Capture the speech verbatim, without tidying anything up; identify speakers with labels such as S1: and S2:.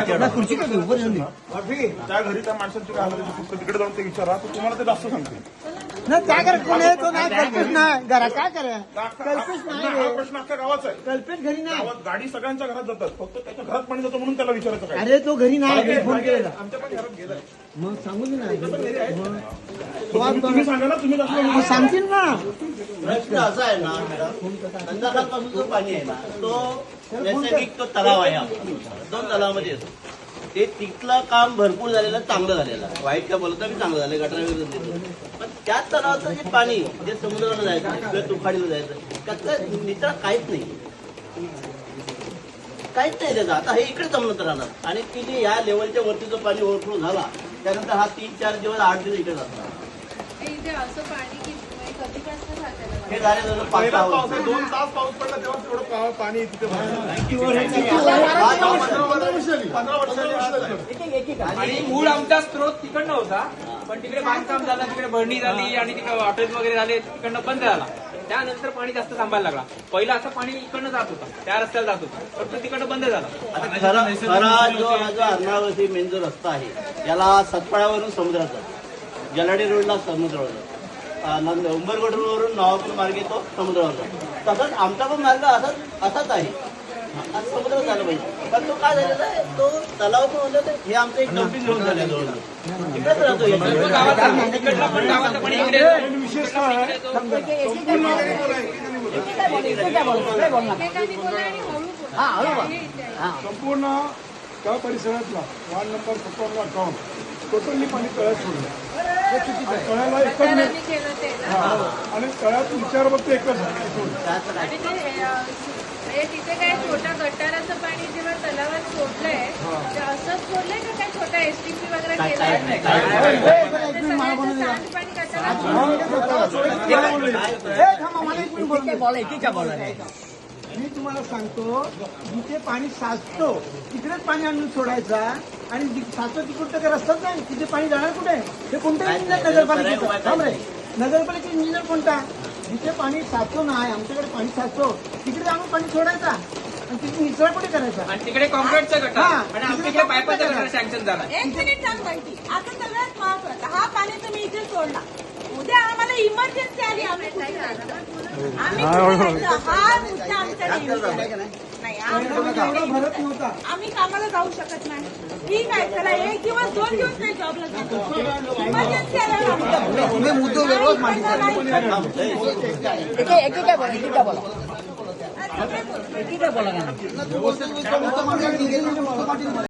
S1: खुर्ची का घेऊ बरं
S2: त्या घरी त्या माणसाची काय हालत फक्त तिकडे जाऊन ते विचारा तर तुम्हाला ते जास्त सांगतील.
S1: नाही काय करा कोण आहे तो नाही कल्पित नाही घरा काय करा कल्पित नाही
S2: हा प्रश्न अख्ख्या गावाचा आहे.
S1: कल्पित घरी नाही
S2: गावात गाडी सगळ्यांच्या घरात जातात फक्त त्याच्या घरात पाणी जातं म्हणून त्याला विचारायचं काय.
S1: अरे तो घरी नाही फोन केलेला
S2: आमच्या पण घरात गेलाय.
S1: मग सांगू दे ना
S2: तुम्ही तुम्ही सांगा ना तुम्ही कसं
S1: सांगतील ना
S3: प्रश्न असा आहे ना संध्याकाळपासून जो पाणी आहे ना तो नैसर्गिक तो तलाव आहे आपला. दोन तलावामध्ये येतो ते तिथलं काम भरपूर झालेलं चांगलं झालेलं आहे. वाईट का बोलत मी चांगलं झालं गटारा वगैरे देतो पण त्याच तलावाचं जे पाणी जे समुद्राला जायचं किंवा तुफाडीला जायचं त्याचं नितळ काहीच नाही काहीच नाही त्याचं. आता हे इकडे जमलं तर राहणार आणि ती जे या लेवलच्या वरती जो पाणी ओव्हरफ्लो झाला त्यानंतर हा तीन चार दिवस आठ दिवस इकडे जातात.
S4: इथे असं पाणी की कधीपासून साचायला
S3: हे झाले जवळ पाच सहा
S2: पाऊस
S3: वर्ष.
S2: दोन तास पाऊस पडला तेव्हा तेवढं पा- पाणी तिथे भरलं. पंधरा वर्षांनी
S5: आणि मूळ आमचा स्त्रोत तिकडनं होता पण तिकडे बांधकाम झालं तिकडे भरणी झाली आणि तिकडे हॉटेल वगैरे झाले तिकडनं बंद झाला. त्यानंतर पाणी जास्त थांबायला लागला. पहिलं असं पाणी इकडनं जात होता त्या रस्त्याला जात होता पण तो तिकडनं बंद झाला.
S3: आता खरा खरा जो हा जो अर्नावती मेन जो रस्ता आहे याला सतपाळ्यावरून समुद्रात जातो. जलाडी रोडला समुद्रावर जातो. नंद उंबरगड रोडवरून नवापूर मार्गे तो समुद्रावर जातो. तसंच आमचा पण मार्ग असाच असाच आहे. आज समुद्रात झालं पाहिजे पण तो काय झालेला आहे तो तलाव पण होता तर हे आमचं एक डम्पिंग ग्राउंड झालं जवळ तिकडेच राहतो
S5: सर्व गावाचं तिकडलं पण गावाचं पाणी इकडे येतं.
S2: विशेष काय आहे?
S4: एकेकाने बोला आणि हळू बोला.
S2: संपूर्ण त्या परिसरातला वार्ड नंबर सत्तावन्न अकाउंट टोटली पाणी तळ्यात सोडलं. तळ्याला एकच
S4: गटारांनी
S2: नाही
S4: केलं ते ना.
S2: हा. आणि तळ्यात विचार फक्त एकच आहे सोडलं.
S4: आणि ते अ, म्हणजे तिथे काय छोटा गटाराचं पाणी जेव्हा तलावात सोडलंय ते असंच सोडलंय का काय छोटा एसटीपी वगैरे केलाय? ते सगळ्याचं सांडपाणी गटारात
S1: ए, थांबा, मला एक मिनिट बोलू दे. मी तुम्हाला सांगतो जिथे पाणी साचतो तिकडेच पाणी आणून सोडायचा आणि जि- साचतो तिकडचं काही रस्ताच नाही तिथे पाणी जाणार कुठे हे कोणतं इंजिनियर नगरपालिकेचं थांब रे नगरपालिकेचा इंजिनियर कोणता जिथे पाणी साचतो नाही आमच्याकडे पाणी साचतो तिकडे आणून पाणी सोडायचा आणि तिथे निचरा कुठे करायचा
S5: आणि तिकडे कॉन्क्रीटचं गटार
S1: हा.
S5: आणि आमच्या पायपाचा गटार सँक्शन झाला.
S6: एक मिनिट सांग माहिती आता सगळ्यात महत्वाचं हा पाणी तुम्ही इथे सोडला उद्या आम्हाला इमर्जन्सी आली आम्ही कुठे जायचं? आम्ही कुठे जायचं? हा मुद्दा आमच्याकडे येऊ शकत नाही आम्हाला
S1: एवढा भरत नव्हता
S6: आम्ही कामाला जाऊ शकत नाही ठीक आहे चला एक दिवस दोन दिवस नाही जॉबला जातो इमर्जन्सी आल्यावर
S1: मुद्दे वेगळंच मांडले
S6: बोला